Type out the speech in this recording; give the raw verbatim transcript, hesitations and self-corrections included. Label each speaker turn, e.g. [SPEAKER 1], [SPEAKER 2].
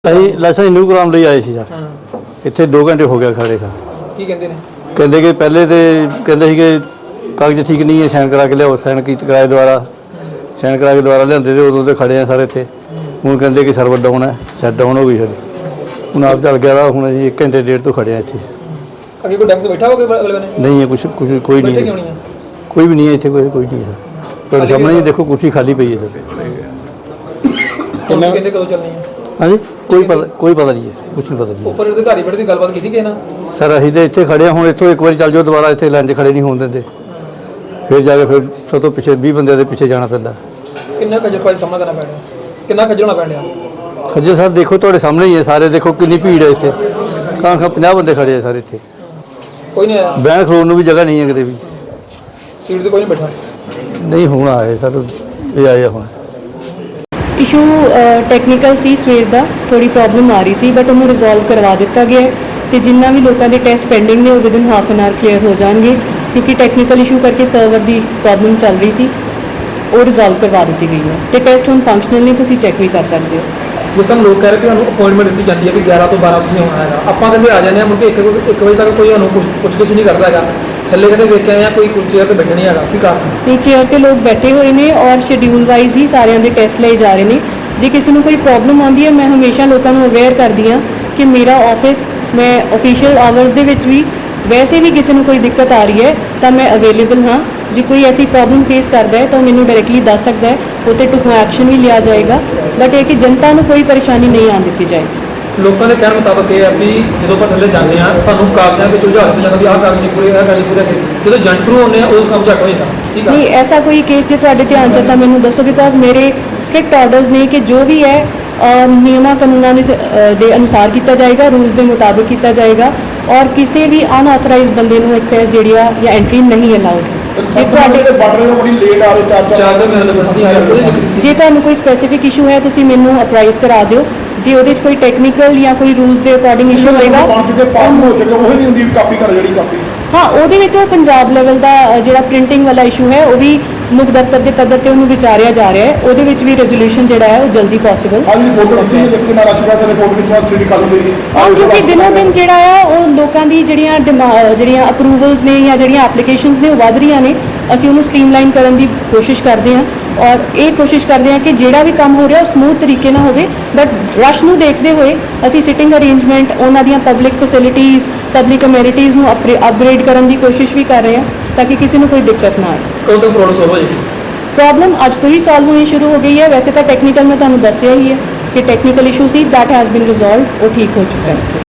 [SPEAKER 1] ਅਸੀਂ licence renew ਕਰਾਉਣ ਲਈ ਆਏ ਸੀ ਸਰ। ਇੱਥੇ ਦੋ ਘੰਟੇ ਹੋ ਗਏ ਖੜੇ ਸਰ।
[SPEAKER 2] ਕੀ ਕਹਿੰਦੇ ਨੇ?
[SPEAKER 1] ਕਹਿੰਦੇ ਕਿ ਪਹਿਲੇ ਤੇ ਕਹਿੰਦੇ ਸੀ ਕਿ ਕਾਗਜ਼ ਠੀਕ ਨਹੀਂ ਹੈ, ਸਾਈਨ ਕਰਾ ਕੇ ਲਿਆਓ। ਸਾਈਨ ਕੀਤੇ ਕਰਾਏ ਦੁਆਰਾ ਸਾਈਨ ਕਰਾ ਕੇ ਦੁਆਰਾ ਲਿਆਂਦੇ ਤੇ ਉਦੋਂ ਤੇ ਖੜੇ ਆ ਸਾਰੇ ਇੱਥੇ। ਹੁਣ ਕਹਿੰਦੇ ਕਿ ਸਰਵਰ ਡਾਊਨ ਹੈ, ਸੈਟ ਡਾਊਨ ਹੋ ਗਈ ਸਾਡੀ। ਹੁਣ ਆਪ ਚੱਲ ਗਿਆ। ਹੁਣ ਅਸੀਂ ਇੱਕ ਘੰਟੇ ਡੇਢ ਤੋਂ ਖੜੇ ਆ ਇੱਥੇ।
[SPEAKER 2] ਅੱਗੇ ਕੋਈ ਡੈਕਸ ਬੈਠਾ ਹੋਵੇ ਅਗਲੇ ਨੇ?
[SPEAKER 1] ਨਹੀਂ ਹੈ ਕੁਛ ਕੁਛ ਕੋਈ ਨਹੀਂ ਹੈ, ਕੋਈ ਵੀ ਨਹੀਂ ਹੈ ਇੱਥੇ। ਕੋਈ ਕੋਈ ਨਹੀਂ ਹੈ ਸਰ। ਤੁਹਾਡੇ ਸਾਹਮਣੇ ਹੀ ਦੇਖੋ ਕੁਰਸੀ ਖਾਲੀ ਪਈ ਹੈ ਸਰ।
[SPEAKER 2] ਕਹਿੰਦੇ ਕਦੋਂ ਚੱਲਣੀ ਹੈ?
[SPEAKER 1] ਹਾਂਜੀ ਕੋਈ ਪਤਾ ਕੋਈ ਪਤਾ ਨਹੀਂ ਹੈ, ਕੁਛ ਨਹੀਂ ਪਤਾ ਜੀ।
[SPEAKER 2] ਉੱਪਰ ਅਧਿਕਾਰੀ ਬੈਠੇ ਦੀ ਗੱਲਬਾਤ ਕੀਤੀ ਕਿਸੇ ਨਾਲ?
[SPEAKER 1] ਸਰ ਅਸੀਂ ਤਾਂ ਇੱਥੇ ਖੜੇ ਹਾਂ। ਹੁਣ ਇੱਥੋਂ ਇੱਕ ਵਾਰੀ ਚੱਲ ਜਾਓ, ਦੁਬਾਰਾ ਇੱਥੇ ਲਾਈਨ 'ਚ ਖੜੇ ਨਹੀਂ ਹੋਣ ਦਿੰਦੇ। ਫਿਰ ਜਾ ਕੇ ਫਿਰ ਸਭ ਤੋਂ ਪਿੱਛੇ ਵੀਹ ਬੰਦਿਆਂ ਦੇ ਪਿੱਛੇ ਜਾਣਾ ਪੈਂਦਾ।
[SPEAKER 2] ਕਿੰਨਾ ਖੱਜਲ ਖੁਆਰੀ ਸਾਹਮਣਾ ਕਰਨਾ ਪੈਣਾ? ਕਿੰਨਾ ਖੱਜਲ ਹੋਣਾ ਪੈਣਾ?
[SPEAKER 1] ਖੱਜਲ ਸਰ ਦੇਖੋ ਤੁਹਾਡੇ ਸਾਹਮਣੇ ਹੀ ਹੈ ਸਾਰੇ। ਦੇਖੋ ਕਿੰਨੀ ਭੀੜ ਹੈ ਇੱਥੇ। ਕਾਂ ਖਾਂ ਪੰਜਾਹ ਬੰਦੇ ਖੜੇ ਆ ਸਾਰੇ ਇੱਥੇ।
[SPEAKER 2] ਕੋਈ ਨਹੀਂ ਆਇਆ?
[SPEAKER 1] ਬਹਿਣ ਖਲੋਣ ਨੂੰ ਵੀ ਜਗ੍ਹਾ ਨਹੀਂ ਹੈ ਕਿਤੇ ਵੀ।
[SPEAKER 2] ਸੀਟ ਤੇ ਕੋਈ ਨਹੀਂ ਬੈਠਾ?
[SPEAKER 1] ਨਹੀਂ ਹੁਣ ਆਏ ਸਰ, ਇਹ ਆਏ ਆ ਹੁਣ।
[SPEAKER 3] ਇਸ਼ੂ ਟੈਕਨੀਕਲ ਸੀ, ਸਵੇਰ ਦਾ ਥੋੜੀ ਪ੍ਰੋਬਲਮ ਆ ਰਹੀ ਸੀ, ਬਟ ਉਹਨੂੰ ਰਿਜ਼ੋਲਵ ਕਰਵਾ ਦਿੱਤਾ ਗਿਆ ਤੇ ਜਿੰਨਾ ਵੀ ਲੋਕਾਂ ਦੇ ਟੈਸਟ ਪੈਂਡਿੰਗ ਨੇ ਉਹ within half an hour clear ਹੋ ਜਾਣਗੇ, ਕਿਉਂਕਿ ਟੈਕਨੀਕਲ ਇਸ਼ੂ ਕਰਕੇ ਸਰਵਰ ਦੀ ਪ੍ਰੋਬਲਮ ਚੱਲ ਰਹੀ ਸੀ। ਉਹ ਰਿਜ਼ੋਲਵ ਕਰਵਾ ਦਿੱਤੀ ਗਈ ਹੈ ਤੇ ਟੈਸਟ ਹੁਣ ਫੰਕਸ਼ਨਲ ਨੇ, ਤੁਸੀਂ ਚੈੱਕ ਵੀ ਕਰ ਸਕਦੇ ਹੋ।
[SPEAKER 2] ਜਿਸ ਤਰ੍ਹਾਂ ਲੋਕ ਕਹਿ ਰਹੇ ਕਿ ਸਾਨੂੰ ਅਪਾਇੰਟਮੈਂਟ ਦਿੱਤੀ ਜਾਂਦੀ ਹੈ ਕਿ ਗਿਆਰਾਂ ਤੋਂ ਬਾਰਾਂ ਤੁਸੀਂ ਆਉਣਾ ਹੈਗਾ, ਆਪਾਂ ਕਹਿੰਦੇ ਆ ਜਾਂਦੇ ਹਾਂ ਮੁੜ ਕੇ ਇੱਕ ਇੱਕ ਵਜੇ ਤੱਕ ਕੋਈ ਸਾਨੂੰ ਕੁਛ ਪੁੱਛ ਕੁਛ ਨਹੀਂ ਕਰਦਾ ਹੈਗਾ। ਥੱਲੇ ਕਹਿੰਦੇ ਵੇਖਿਆ ਜਾਂ ਕੋਈ ਚੇਅਰ ਤੇ ਬੈਠੇ ਨਹੀਂ ਹੈਗਾ, ਕੀ ਕਾਰਨ?
[SPEAKER 3] ਨਹੀਂ, ਚੇਅਰ ਤੇ ਲੋਕ ਬੈਠੇ ਹੋਏ ਨੇ ਔਰ ਸ਼ਡਿਊਲ ਵਾਈਜ਼ ਹੀ ਸਾਰਿਆਂ ਦੇ ਟੈਸਟ ਲਏ ਜਾ ਰਹੇ ਨੇ। ਜੇ ਕਿਸੇ ਨੂੰ ਕੋਈ ਪ੍ਰੋਬਲਮ ਆਉਂਦੀ ਹੈ, ਮੈਂ ਹਮੇਸ਼ਾ ਲੋਕਾਂ ਨੂੰ ਅਵੇਅਰ ਕਰਦੀ ਹਾਂ ਕਿ ਮੇਰਾ ਆਫਿਸ, ਮੈਂ ਆਫੀਸ਼ੀਅਲ ਆਵਰਸ ਦੇ ਵਿੱਚ ਵੀ ਵੈਸੇ ਵੀ ਕਿਸੇ ਨੂੰ ਕੋਈ ਦਿੱਕਤ ਆ ਰਹੀ ਹੈ ਤਾਂ ਮੈਂ ਅਵੇਲੇਬਲ ਹਾਂ। ਜੇ ਕੋਈ ਐਸੀ ਪ੍ਰੋਬਲਮ ਫੇਸ ਕਰਦਾ ਹੈ ਤਾਂ ਮੈਨੂੰ ਡਾਇਰੈਕਟਲੀ ਦੱਸ ਸਕਦਾ ਹੈ, ਉਹ 'ਤੇ ਢੁਕਵਾਂ ਐਕਸ਼ਨ ਵੀ ਲਿਆ ਜਾਏਗਾ। ਬਟ ਇਹ ਕਿ ਜਨਤਾ ਨੂੰ ਕੋਈ ਪਰੇਸ਼ਾਨੀ ਨਹੀਂ ਆਉਣ ਦਿੱਤੀ ਜਾਏਗੀ।
[SPEAKER 2] ਲੋਕਾਂ ਦੇ ਕਹਿਣ ਮੁਤਾਬਕ ਇਹ ਹੈ ਵੀ ਜਦੋਂ ਆਪਾਂ ਥੱਲੇ ਜਾਂਦੇ ਹਾਂ ਸਾਨੂੰ ਕਾਗਜ਼ਾਂ ਵਿੱਚ ਉਲਝਾ ਦਿੱਤਾ ਜਾਂਦਾ ਵੀ ਆਹ ਕਾਗਜ਼ ਨਹੀਂ ਪੂਰੇ, ਆਹ ਕਾਗਜ਼ ਪੂਰੇ ਕਰੇ। ਜਦੋਂ ਏਜੰਟ ਥਰੂ ਆਉਂਦੇ ਆ ਉਦੋਂ ਕੰਮ ਝੱਟ ਹੋ ਜਾਂਦਾ। ਠੀਕ ਹੈ?
[SPEAKER 3] ਨਹੀਂ, ਐਸਾ ਕੋਈ ਕੇਸ ਜੇ ਤੁਹਾਡੇ ਧਿਆਨ 'ਚ ਹੈ ਤਾਂ ਮੈਨੂੰ ਦੱਸੋ, ਬਿਕੋਜ਼ ਮੇਰੇ ਸਟ੍ਰਿਕਟ ਆਰਡਰਸ ਨੇ ਕਿ ਜੋ ਵੀ ਹੈ ਨਿਯਮਾਂ ਕਾਨੂੰਨਾਂ ਦੇ ਦੇ ਅਨੁਸਾਰ ਕੀਤਾ ਜਾਏਗਾ, ਰੂਲਸ ਦੇ ਮੁਤਾਬਿਕ ਕੀਤਾ ਜਾਏਗਾ ਔਰ ਕਿਸੇ ਵੀ ਅਨਆਥੋਰਾਈਜ਼ਡ ਬੰਦੇ ਨੂੰ ਐਕਸੈਸ ਜਿਹੜੀ ਆ ਜਾਂ ਐਂਟਰੀ ਨਹੀਂ ਅਲਾਉਡ। ਜੇ ਤੁਹਾਡੇ ਜੇ ਤੁਹਾਨੂੰ ਕੋਈ ਸਪੈਸੀਫਿਕ ਇਸ਼ੂ ਹੈ ਤੁਸੀਂ ਮੈਨੂੰ ਅਪਰਾਈਜ਼ ਕਰਾ ਦਿਓ। ਜੇ ਉਹਦੇ 'ਚ ਕੋਈ ਟੈਕਨੀਕਲ ਜਾਂ ਕੋਈ ਰੂਲਸ ਦੇ ਅਕੋਰਡਿੰਗ ਇਸ਼ੂ ਹੋਏਗਾ, ਹਾਂ, ਉਹਦੇ ਵਿੱਚ ਉਹ ਪੰਜਾਬ ਲੈਵਲ ਦਾ ਜਿਹੜਾ ਪ੍ਰਿੰਟਿੰਗ ਵਾਲਾ ਇਸ਼ੂ ਹੈ ਉਹ ਵੀ ਮੁੱਖ ਦਫ਼ਤਰ ਦੇ ਪੱਧਰ ਤੇ ਉਹਨੂੰ ਵਿਚਾਰਿਆ ਜਾ ਰਿਹਾ ਹੈ। ਉਹਦੇ ਵਿੱਚ ਵੀ ਰੈਜ਼ੋਲੂਸ਼ਨ ਜਿਹੜਾ ਹੈ ਉਹ ਜਲਦੀ ਪੋਸੀਬਲ, ਕਿਉਂਕਿ ਦਿਨੋਂ ਦਿਨ ਜਿਹੜਾ ਆ ਉਹ ਲੋਕਾਂ ਦੀ ਜਿਹੜੀਆਂ ਜਿਹੜੀਆਂ ਅਪਰੂਵਲਸ ਨੇ ਜਾਂ ਜਿਹੜੀਆਂ ਐਪਲੀਕੇਸ਼ਨਸ ਨੇ ਉਹ ਵੱਧ ਰਹੀਆਂ ਨੇ। ਅਸੀਂ ਉਹਨੂੰ ਸਟ੍ਰੀਮਲਾਈਨ ਕਰਨ ਦੀ ਕੋਸ਼ਿਸ਼ ਕਰਦੇ ਹਾਂ ਔਰ ਇਹ ਕੋਸ਼ਿਸ਼ ਕਰਦੇ ਹਾਂ ਕਿ ਜਿਹੜਾ ਵੀ ਕੰਮ ਹੋ ਰਿਹਾ ਉਹ ਸਮੂਥ ਤਰੀਕੇ ਨਾਲ ਹੋਵੇ। ਬਟ ਰਸ਼ ਨੂੰ ਦੇਖਦੇ ਹੋਏ ਅਸੀਂ ਸਿਟਿੰਗ ਅਰੇਂਜਮੈਂਟ, ਉਹਨਾਂ ਦੀਆਂ ਪਬਲਿਕ ਫੈਸਿਲਿਟੀਜ਼, ਪਬਲਿਕ ਅਮੈਨਿਟੀਜ਼ ਨੂੰ ਅਪਗ੍ਰੇਡ ਕਰਨ ਦੀ ਕੋਸ਼ਿਸ਼ ਵੀ ਕਰ ਰਹੇ ਹਾਂ ਤਾਂ ਕਿ ਕਿਸੇ ਨੂੰ ਕੋਈ ਦਿੱਕਤ ਨਾ ਆਏ।
[SPEAKER 2] ਕਦੋਂ ਤੱਕ ਪ੍ਰੋਬਲਮ ਸੋਲਵ ਹੋ ਜਾਏਗੀ?
[SPEAKER 3] ਪ੍ਰੋਬਲਮ ਅੱਜ ਤੋਂ ਹੀ ਸੋਲਵ ਹੋਣੀ ਸ਼ੁਰੂ ਹੋ ਗਈ ਹੈ। ਵੈਸੇ ਤਾਂ ਟੈਕਨੀਕਲ ਮੈਂ ਤੁਹਾਨੂੰ ਦੱਸਿਆ ਹੀ ਹੈ ਕਿ ਟੈਕਨੀਕਲ ਇਸ਼ੂ ਸੀ, ਦੈਟ ਹੈਜ਼ ਬੀਨ ਰਿਜ਼ੋਲਵਡ, ਉਹ ਠੀਕ ਹੋ ਚੁੱਕਾ ਹੈ।